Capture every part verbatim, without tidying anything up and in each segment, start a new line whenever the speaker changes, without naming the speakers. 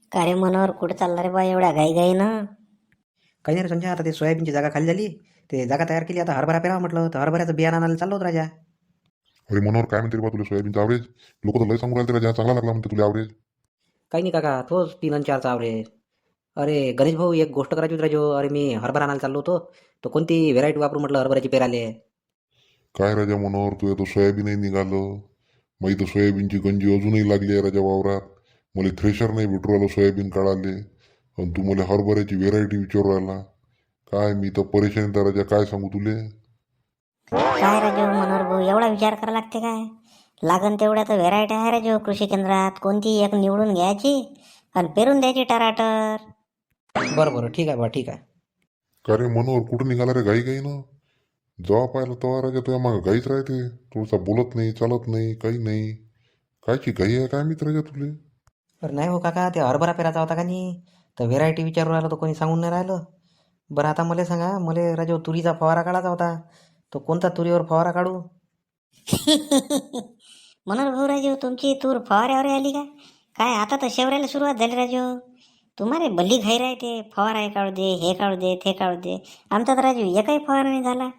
का रे मनोहर, कुठं चालला रे बा एवढ्या घाई घाई ना?
काही नाही रे संजय, आता ते सोयाबीनची जागा खाली झाली. ते जागा तयार केली, आता हरभरा पेरावा म्हटलं तर हरभऱ्याचं बियाणं आणायला चाललो होतो राजा.
अरे मनोहर, काय म्हणते रे बा तुला सोयाबीनचं ॲव्हरेज? लोक तर लय सांगून राहिले त्याला, चांगला लागला म्हणते तुला ॲव्हरेज.
काही नाही काका, तोच तीन आणि चारचा ॲव्हरेज. अरे गणेश भाऊ, एक गोष्ट करायची होती राजो. अरे मी हरभरा आणायला चाललो होतो, तर कोणती व्हेरायटी वापरू म्हटलं हरभऱ्याची पेराले.
काय राजा मनोहर, तुझ्या तो सोयाबीनही निघालं. मग इथं सोयाबीनची गंजी अजूनही लागली आहे राजा वावरात. मला थ्रेशर नाही भेटू राहिलं सोयाबीन काढाले, आणि तू मला हरभऱ्याची व्हेरायटी विचारू राहिला. काय मी तर परेशान आहे राजा, काय सांगू तुले.
काय राजू मनोहर भाऊ, एवढा विचार करा लागते काय? लागन तेवढ्या तर व्हेरायटी आहे राजू कृषी केंद्रात. कोणती एक निवडून घ्यायची आणि पेरून द्यायची टराटर.
बरं बरं, ठीक आहे बा, ठीक आहे.
का रे मनोहर, कुठं निघाला रे घाई घाई ना? जेव्हा पाहिलं तेव्हा राजा तुझ्या मागं घाईच राहते. थोडसा बोलत नाही, चालत नाही, काही नाही. कायची घाई आहे काय मित्र राजा तुले?
अरे नाही हो काका, ते हरभरा पेराचा होता का नाही, तर व्हेरायटी विचारू राहिलं तर कोणी सांगून नाही राहिलं. बरं आता मला सांगा, मला राजो तुरीचा फवारा काढायचा होता, तो कोणता तुरीवर फवारा काढू?
मनोहर भाऊ, राजू तुमची तूर फवाऱ्यावर आली का काय? आता तर शेवऱ्याला सुरुवात झाली राजू. तुम्हाला भल्ली घाई राहते, फवारा हे काढू दे, हे काढू दे, ते काढू दे. आमचा तर राजू एकही फवारा नाही झाला.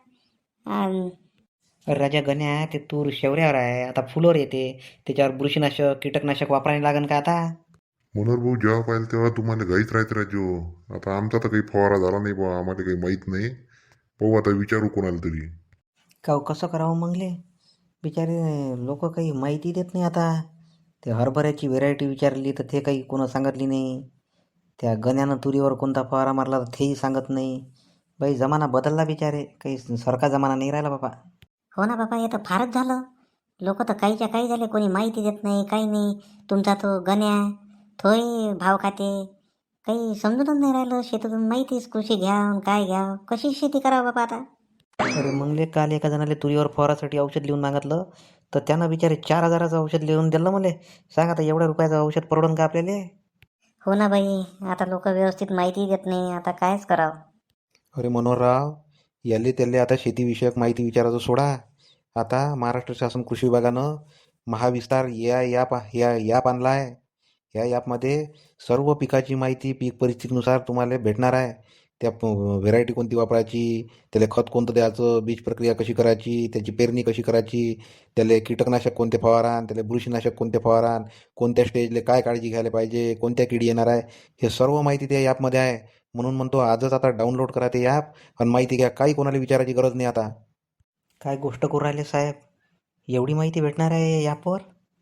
अन
अरे राजा गण्या, ते तूर शेवऱ्यावर आहे, आता फुलोर येते, त्याच्यावर बुरशीनाशक कीटकनाशक वापरायला लागन का आता?
मनोहर भाऊ, जेव्हा पाहिलं तेव्हा तुम्हाला घाईच राहते राजू. आता आमचा तर काही फवारा झाला नाही बा, आम्हाला काही माहीत नाही. पाहू आता, विचारू कोणाला तरी.
का हो, कसं करावं मंगले? बिचारे लोक काही माहिती देत नाही आता. ते हरभऱ्याची व्हेरायटी विचारली तर ते काही कोणा सांगितली नाही. त्या गण्यानं तुरीवर कोणता फवारा मारला तर तेही सांगत नाही. बाई जमाना बदलला बिचारे, काही सारखा जमाना नाही राहिला बाबा.
हो ना बाबा, हे तर फारच झालं. लोक तर काहीच्या काही झाले, कोणी माहिती देत नाही, काही नाही. तुमचा तो गण्या थोय भाव खाते. काही समजूनच नाही राहिलं. शेतातून माहितीच कृषी घ्या अन काय घ्या, कशी शेती करावं बाबा आता.
अरे मंगले, काल एका जणाले तुरीवर फवारासाठी औषध लिहून मागितलं, तर त्यानं बिचारे चार हजाराचं औषध लिहून दिलं मला. सांग आता, एवढ्या रुपयाचं औषध परवडन का आपल्याला?
हो ना बाई, आता लोक व्यवस्थित माहिती देत नाही, आता कायच करावं.
अरे मनोहरराव, याले त्याले आता शेतीविषयक माहिती विचारायचं सोडा. आता महाराष्ट्र शासन कृषी विभागानं महाविस्तार या ॲप या ॲप आणला आहे. या ॲपमध्ये सर्व पिकाची माहिती पीक परिस्थितीनुसार तुम्हाला भेटणार आहे. त्या व्हेरायटी कोणती वापरायची, त्याला खत कोणतं द्यायचं, बीज प्रक्रिया कशी करायची, त्याची पेरणी कशी करायची, त्याला कीटकनाशक कोणते फवारान, त्याला बुरशीनाशक कोणते फवारान, कोणत्या स्टेजला काय काळजी घ्यायला पाहिजे, कोणत्या किडी येणार आहे, हे सर्व माहिती त्या ॲपमध्ये आहे. म्हणून म्हणतो आजच आता डाउनलोड करा ते ॲप आणि माहिती घ्या. काही कोणाला विचारायची गरज नाही आता.
काय गोष्ट करू राहिले साहेब, एवढी माहिती भेटणार आहे ॲपवर?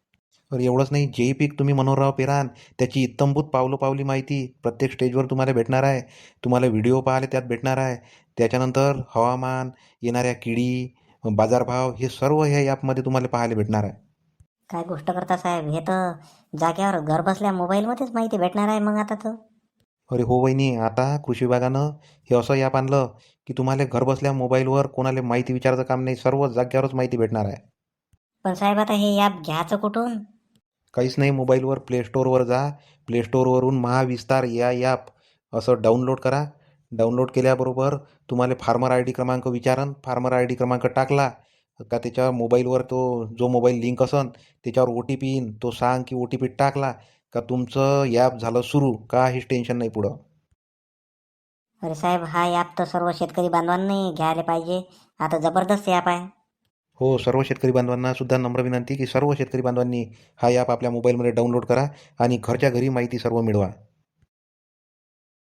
तर एवढंच नाही, जेही पीक तुम्ही मनोहरराव पेरान त्याची इत्तंभूत पावलोपावली माहिती प्रत्येक स्टेजवर तुम्हाला भेटणार आहे. तुम्हाला व्हिडिओ पाहायला त्यात भेटणार आहे. त्याच्यानंतर हवामान, येणाऱ्या किडी, बाजारभाव, हे सर्व ह्या ॲपमध्ये तुम्हाला पाहायला भेटणार आहे.
काय गोष्ट करता साहेब, हे तर जाग्यावर घर बसल्या मोबाईलमध्येच माहिती भेटणार आहे मग आता तर.
अरे हो वहिनी, आता कृषी विभागानं हे असं ॲप आणलं की तुम्हाला घरबसल्या मोबाईलवर कोणाला माहिती विचारायचं काम नाही, सर्व जाग्यावरच माहिती भेटणार आहे.
पण साहेब, आता हे ॲप घ्यायचं कुठून?
काहीच नाही, मोबाईलवर प्ले स्टोअरवर जा. प्ले स्टोअरवरून महाविस्तार या ॲप असं डाउनलोड करा. डाउनलोड केल्याबरोबर तुम्हाला फार्मर आय डी क्रमांक विचारन. फार्मर आय डी क्रमांक टाकला का त्याच्या मोबाईलवर तो जो मोबाईल लिंक असन त्याच्यावर ओ टी पी येईन. तो सांग की ओ टी पी टाकला का तुमचं ॲप झालं सुरू. काहीच टेन्शन नाही पुढं.
अरे साहेब, हा ॲप तर सर्व शेतकरी बांधवांनी घ्यायला पाहिजे. आता जबरदस्त ॲप आहे.
हो, सर्व शेतकरी बांधवांना सुद्धा नम्र विनंती की सर्व शेतकरी बांधवांनी हा ॲप आपल्या मोबाईलमध्ये डाउनलोड करा आणि घरच्या घरी माहिती सर्व मिळवा.